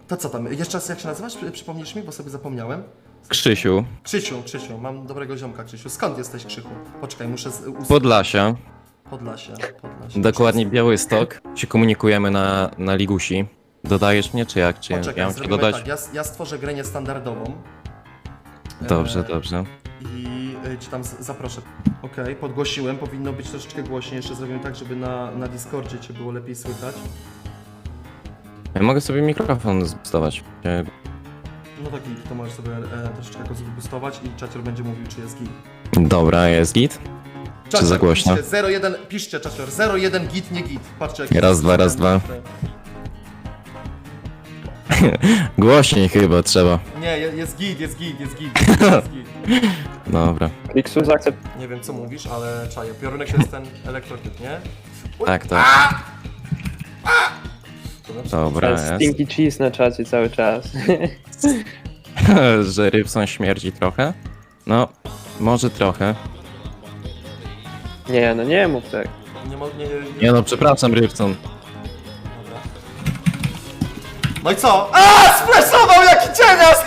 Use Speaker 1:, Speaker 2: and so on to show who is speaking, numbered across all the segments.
Speaker 1: To co tam? Jeszcze raz jak się nazywasz? Przypomnisz mi, bo sobie zapomniałem.
Speaker 2: Krzysiu,
Speaker 1: Krzysiu, mam dobrego ziomka, Krzysiu. Skąd jesteś, Krzychu? Poczekaj, muszę
Speaker 2: Podlasia,
Speaker 1: Podlasie.
Speaker 2: dokładnie Białystok. Się komunikujemy na Ligusi. Dodajesz mnie, czy jak? Czy
Speaker 1: Poczekaj,
Speaker 2: ja mam cię
Speaker 1: zrobimy
Speaker 2: dodać?
Speaker 1: tak, ja stworzę grę niestandardową.
Speaker 2: Dobrze, dobrze.
Speaker 1: I ci tam zaproszę. Okej, podgłosiłem, powinno być troszeczkę głośniej. Jeszcze zrobimy tak, żeby na Discordzie cię było lepiej słychać.
Speaker 2: Ja mogę sobie mikrofon zbustować.
Speaker 1: No tak, git, to możesz sobie troszeczkę go zboostować i czacior będzie mówił, czy jest git.
Speaker 2: Dobra, jest git? Czy za głośno?
Speaker 1: Piszcie 01, piszcie czacior, 01 git, nie git. Patrzcie, jak
Speaker 2: Raz, dwa, raz, dwa. Głośniej chyba trzeba.
Speaker 1: Nie, jest git.
Speaker 2: Dobra.
Speaker 3: Kliksu zaakcept.
Speaker 1: Nie wiem co mówisz, ale czaję. Piorunek to jest ten elektrotyp, nie?
Speaker 2: Tak, tak. Dobra, jest.
Speaker 3: Stinky cheese na czacie cały czas.
Speaker 2: Że Rybson śmierdzi trochę? No, może trochę.
Speaker 3: Nie, no nie mów tak.
Speaker 2: Nie no, przepraszam Rybson.
Speaker 1: Dobra. No i co? Splashował jaki cienias!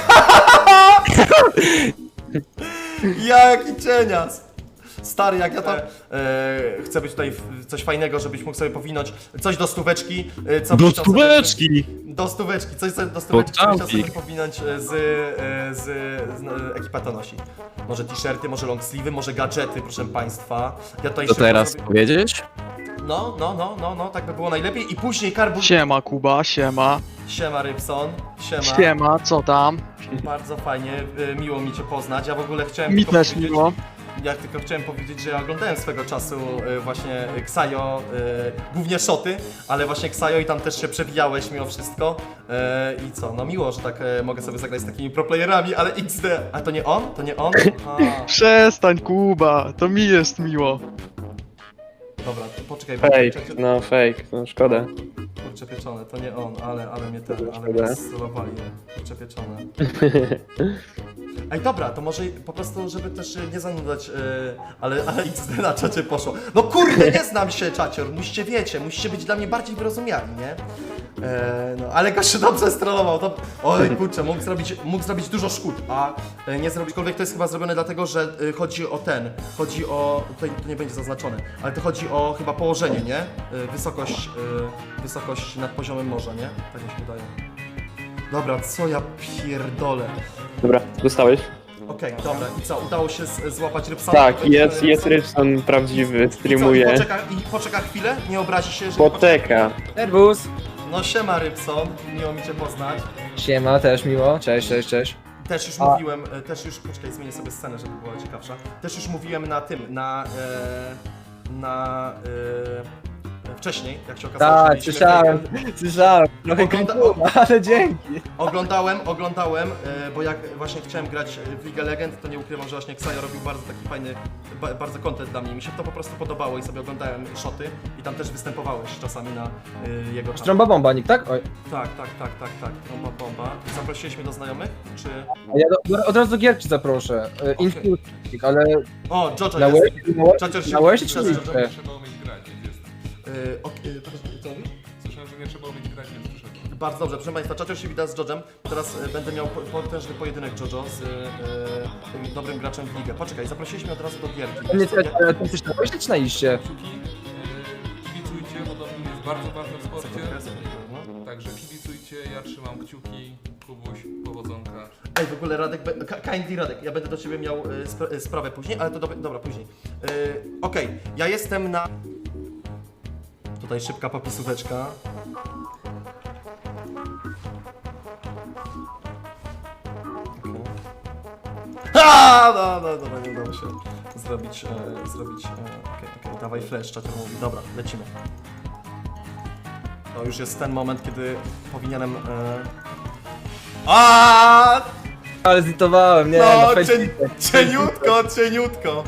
Speaker 1: Jaki cienias! Stary, jak ja tam chcę być tutaj coś fajnego, żebyś mógł sobie powinąć coś do stóweczki. Co byś chciał sobie- Do stóweczki, coś sobie do stóweczki chciał sobie
Speaker 2: Podczapik.
Speaker 1: powinąć z ekipa to nosi. Może t-shirty, może long sleeve'y, może gadżety, proszę państwa. Ja tutaj
Speaker 2: To
Speaker 1: szybko
Speaker 2: teraz
Speaker 1: zrobię-
Speaker 2: powiedzieć?
Speaker 1: No, tak by było najlepiej. I później karbu...
Speaker 4: Siema Kuba, siema.
Speaker 1: Siema Rybson, siema.
Speaker 4: Siema, co tam?
Speaker 1: Bardzo fajnie, miło mi cię poznać. Ja w ogóle chciałem
Speaker 4: Mi
Speaker 1: tylko
Speaker 4: też
Speaker 1: powiedzieć-
Speaker 4: miło.
Speaker 1: Ja tylko chciałem powiedzieć, że ja oglądałem swego czasu właśnie Ksajo, głównie szoty, ale właśnie Ksajo i tam też się przewijałeś mimo wszystko. I co, no miło, że tak mogę sobie zagrać z takimi proplayerami, ale XD. A to nie on? To nie on? A,
Speaker 4: Przestań Kuba, to mi jest miło.
Speaker 1: dobra, to poczekaj,
Speaker 3: Fake, no szkoda.
Speaker 1: kurczę pieczone, to nie on, ale
Speaker 3: Szkoda.
Speaker 1: mnie strolowali, kurczę pieczone. Ej, dobra, to może po prostu, żeby też nie zanudzać, ale XD na czacie poszło. No kurde, nie znam się, czacior, musicie być dla mnie bardziej wyrozumiali, nie? No, ale gościu dobrze strollował, to... Oj, kurczę, mógł zrobić dużo szkód, a nie zrobić, to jest chyba zrobione dlatego, że chodzi o, tutaj to nie będzie zaznaczone, ale to chodzi o chyba położenie, nie? Wysokość nad poziomem morza, nie? Tak mi się wydaje. Dobra, co ja pierdolę.
Speaker 3: Dobra, dostałeś?
Speaker 1: Okej, dobra, i co, udało się złapać Rybsona?
Speaker 3: Tak, jest Rybson prawdziwy, streamuje.
Speaker 1: Poczeka chwilę, nie obrazi się, że...
Speaker 3: Poczeka.
Speaker 5: Serwus!
Speaker 1: No siema Rybson, miło mi cię poznać.
Speaker 5: Siema, też miło. Cześć.
Speaker 1: Też już mówiłem, poczekaj, zmienię sobie scenę, żeby była ciekawsza. Też już mówiłem na tym, wcześniej, jak się okazało, że
Speaker 5: Tak,
Speaker 1: mieliśmy-
Speaker 5: słyszałem. Trochę
Speaker 1: Ogląda-
Speaker 5: krępuła, ale dzięki.
Speaker 1: Oglądałem, bo jak właśnie chciałem grać w League of Legends, to nie ukrywam, że właśnie Ksajo robił bardzo taki fajny, bardzo content dla mnie. Mi się to po prostu podobało i sobie oglądałem szoty i tam też występowałeś czasami na jego kanale.
Speaker 5: Trąba bombanik, tak? Oj.
Speaker 1: Tak, bomba. Zaprosiliśmy do znajomych, czy...
Speaker 5: A ja od razu do gierki zaproszę. Infuse, ale
Speaker 1: O, Jojo
Speaker 5: na
Speaker 1: jest.
Speaker 5: łeb,
Speaker 1: Czacior się
Speaker 5: na łeb czy
Speaker 1: przez-
Speaker 5: nie?
Speaker 6: Trzeba umieć grać, więc jest.
Speaker 1: Co mówisz?
Speaker 6: Słyszałem, że nie trzeba umieć grać, więc przyszedłem.
Speaker 1: Bardzo dobrze, proszę Państwa, Czacior się wita z Jodżem. Teraz będę miał potężny pojedynek Jojo z tym dobrym graczem w ligę. Poczekaj, zaprosiliśmy od razu do gierki.
Speaker 5: Nie, ty coś na łeb czy na iście?
Speaker 6: Kciuki, kibicujcie, bo doping jest bardzo ważny w sporcie.
Speaker 1: No.
Speaker 6: Także kibicujcie, ja trzymam kciuki. Kubuś, powodzonka.
Speaker 1: Ej, w ogóle Radek, kindly Radek, ja będę do Ciebie miał sprawę później, ale to dobra, później. Okej, ja jestem na... Tutaj szybka popisóweczka. Dobra, nie udało się zrobić, okej, dawaj flash, czacior mówi, dobra, lecimy. To już jest ten moment, kiedy powinienem...
Speaker 5: Ale zlitowałem, nie,
Speaker 1: No,
Speaker 5: na Facebooku.
Speaker 1: cieniutko.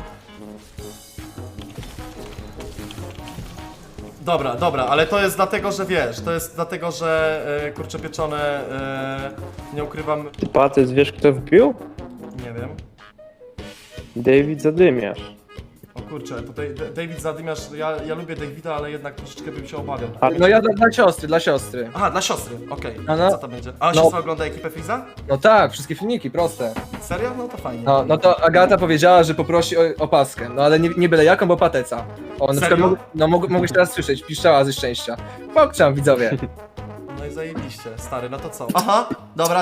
Speaker 1: Dobra, ale to jest dlatego, że wiesz, kurczę pieczone, nie ukrywam,
Speaker 3: Ty Patys, wiesz kto wbił?
Speaker 1: nie wiem.
Speaker 3: David Zadymiarz.
Speaker 1: O kurczę, tutaj David zadymiarz, ja lubię Davida, ale jednak troszeczkę bym się obawiał.
Speaker 5: No ja dla siostry.
Speaker 1: Aha, dla siostry, okej.
Speaker 5: No.
Speaker 1: Co to będzie? A
Speaker 5: No.
Speaker 1: siostra ogląda ekipę Freeza?
Speaker 5: No tak, wszystkie filmiki, proste.
Speaker 1: Serio? No to fajnie.
Speaker 5: No to Agata powiedziała, że poprosi o opaskę, no ale nie byle jaką, bo pateca. O, na przykład,
Speaker 1: Serio?
Speaker 5: mogłeś teraz słyszeć, piszczała ze szczęścia. Pokczam, widzowie.
Speaker 1: No i zajebiście, stary, no to co? Aha, dobra.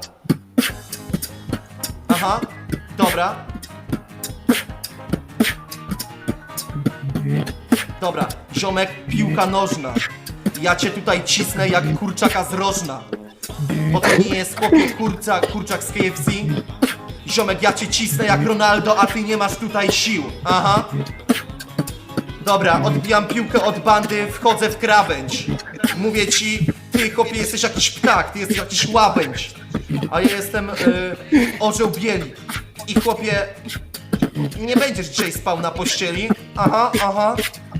Speaker 1: Aha, dobra. Dobra, ziomek, piłka nożna. Ja cię tutaj cisnę jak kurczaka z rożna. Bo to nie jest chłopie kurczak z KFC. Ziomek, ja cię cisnę jak Ronaldo, a ty nie masz tutaj sił. Aha. Dobra, odbijam piłkę od bandy, wchodzę w krawędź. Mówię ci, ty chłopie jesteś jakiś ptak, ty jesteś jakiś łabędź. A ja jestem orzeł bieli. I chłopie, nie będziesz dzisiaj spał na pościeli. Aha.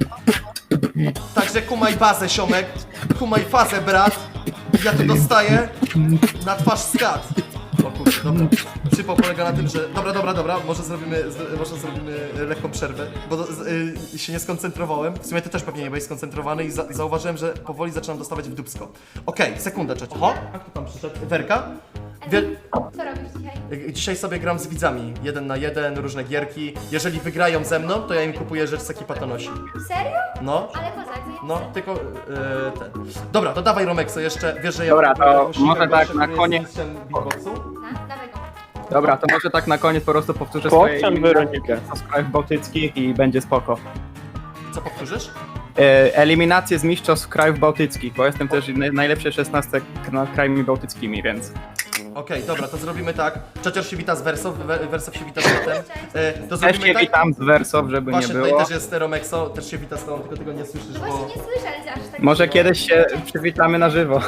Speaker 1: Także kumaj bazę, ziomek. Kumaj fazę, brat. Ja to dostaję na twarz skat. O kurczę, dobra. Przypał polega na tym, że... Dobra, może zrobimy lekką przerwę, bo się nie skoncentrowałem. W sumie ty też pewnie nie byłeś skoncentrowany i zauważyłem, że powoli zaczynam dostawać w dupsko. Okej, sekundę, cześć. Oho, jak tu tam przyszedł? Werka?
Speaker 7: Co robisz dzisiaj?
Speaker 1: Dzisiaj sobie gram z widzami, 1 na 1, różne gierki. Jeżeli wygrają ze mną, to ja im kupuję rzecz z ekipa to nosi.
Speaker 7: Serio?
Speaker 1: No,
Speaker 7: Ale kozak,
Speaker 1: no, tylko ten. Dobra, to dawaj Romexo jeszcze, wiesz, że ja...
Speaker 8: Dobra, to
Speaker 1: jakąś
Speaker 8: może
Speaker 1: siłę,
Speaker 8: tak
Speaker 1: bo
Speaker 8: na
Speaker 1: szykuję
Speaker 8: koniec-
Speaker 1: z mistrzem beatboxu.
Speaker 7: Tak, dawaj go.
Speaker 8: Dobra, to może tak na koniec po prostu powtórzę swoje
Speaker 3: Pokczam Weronikę.
Speaker 8: z krajów bałtyckich i będzie spoko.
Speaker 1: Co powtórzysz?
Speaker 8: Eliminacje z mistrzostw krajów bałtyckich, bo jestem też najlepszy 16 nad krajami bałtyckimi, więc...
Speaker 1: Okej, dobra, to zrobimy tak. Czacior się wita z Verso, Verso się wita z Matem. To
Speaker 8: Też
Speaker 1: zrobimy
Speaker 8: się
Speaker 1: tak.
Speaker 8: witam z Wersow, żeby
Speaker 1: Właśnie
Speaker 8: nie
Speaker 1: tutaj
Speaker 8: było.
Speaker 1: też jest Romexo, też się wita z tobą, tylko tego nie słyszysz,
Speaker 7: No
Speaker 1: bo...
Speaker 7: właśnie nie słyszę, ale aż tak...
Speaker 8: Może kiedyś się przywitamy na żywo.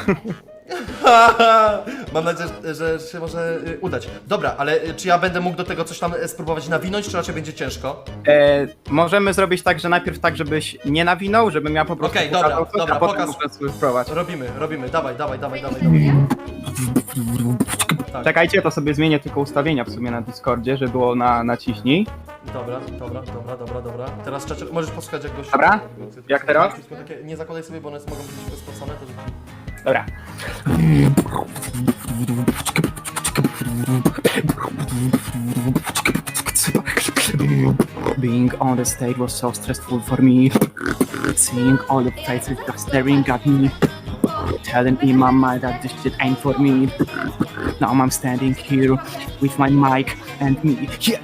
Speaker 1: Mam nadzieję, że się może udać. Dobra, ale czy ja będę mógł do tego coś tam spróbować nawinąć, czy raczej będzie ciężko?
Speaker 8: Możemy zrobić tak, że najpierw tak, żebyś nie nawinął, żebym ja po prostu
Speaker 1: Okej, dobra,
Speaker 8: pokazał coś,
Speaker 1: dobra,
Speaker 8: a potem
Speaker 1: pokaż.
Speaker 8: muszę spróbować.
Speaker 1: Robimy, dawaj. Tak.
Speaker 8: Czekajcie, to sobie zmienię tylko ustawienia w sumie na Discordzie, żeby było na naciśnij.
Speaker 1: Dobra. Teraz Czacior, możesz posłuchać jak goś...
Speaker 8: Dobra. Jak teraz?
Speaker 1: Takie, nie zakładaj sobie, bo one mogą być spocone, to...
Speaker 8: Dobra. Being on the stage was so stressful for me. Seeing all the faces just staring at me. Telling in my mind that this shit ain't for me. Now I'm standing here with my mic and me. Yeah.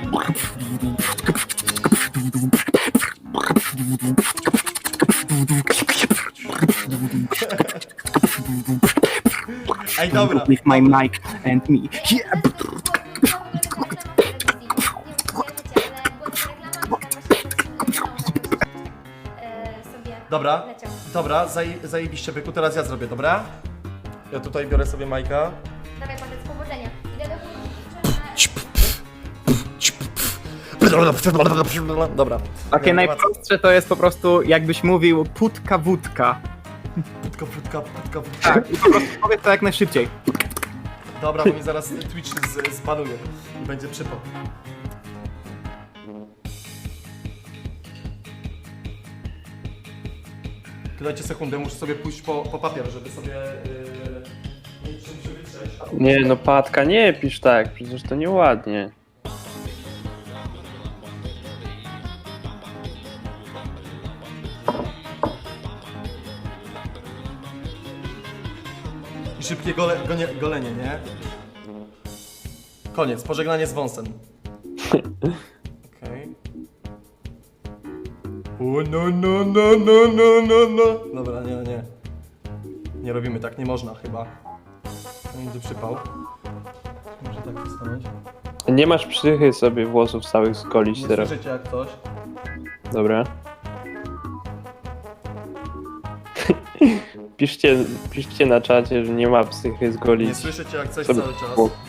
Speaker 1: Ej, dobra.
Speaker 8: With my mic and me. Yeah.
Speaker 1: Dobra, zajebiście byku, teraz ja zrobię, dobra? Ja tutaj biorę sobie Majka.
Speaker 7: Dawaj, Patec, powodzenia. Idę do
Speaker 1: Dobra.
Speaker 8: Takie
Speaker 1: Nie,
Speaker 8: najprostsze to jest po prostu jakbyś mówił putka wódka.
Speaker 1: Putka.
Speaker 8: Tak, i po prostu powiedz to jak najszybciej.
Speaker 1: Dobra, bo mi zaraz Twitch zbanuje i będzie przypał. Dajcie sekundę, muszę sobie pójść po papier, żeby sobie... czymś wytrzeć.
Speaker 3: Nie no, Patka, nie pisz tak, przecież to nieładnie.
Speaker 1: I szybkie golenie, nie? Koniec, pożegnanie z wąsem. Okej. O no. Dobra, nie. Nie robimy tak, nie można chyba. Będzie przypał. Może tak stanąć.
Speaker 3: Nie masz psychy sobie włosów całych zgolić
Speaker 1: Nie
Speaker 3: teraz.
Speaker 1: słyszycie jak coś.
Speaker 3: Dobra. Piszcie na czacie, że nie ma psychy
Speaker 1: Nie
Speaker 3: zgolić.
Speaker 1: słyszycie jak coś
Speaker 3: sobie
Speaker 1: cały czas.
Speaker 3: włos.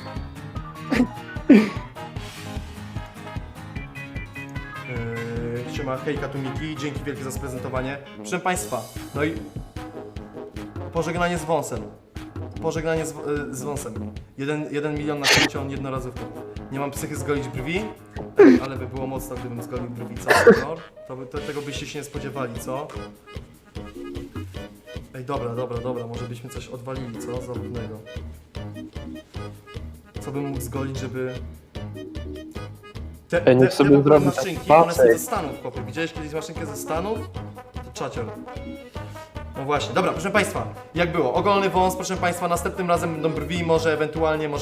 Speaker 1: Siema, hejka tu Miki, dzięki wielkie za sprezentowanie. Proszę Państwa, no i pożegnanie z wąsem. Pożegnanie z wąsem. 1 milion na koncie, on jednorazówkę. Nie mam psychy zgolić brwi, ej, ale by było mocno, gdybym zgolił brwi, co? No, tego byście się nie spodziewali, co? Ej, dobra, może byśmy coś odwalili, co? Zabawnego. Co bym mógł zgolić, żeby...
Speaker 3: Ej, niech sobie
Speaker 1: w ogóle
Speaker 3: zrobi
Speaker 1: maszynki, one są
Speaker 3: pasek.
Speaker 1: ze Stanów, chłopie. Widziałeś kiedyś maszynkę ze Stanów? To czacior. No właśnie, dobra, proszę Państwa, jak było? Ogolny wąs, proszę Państwa, następnym razem będą brwi, może ewentualnie,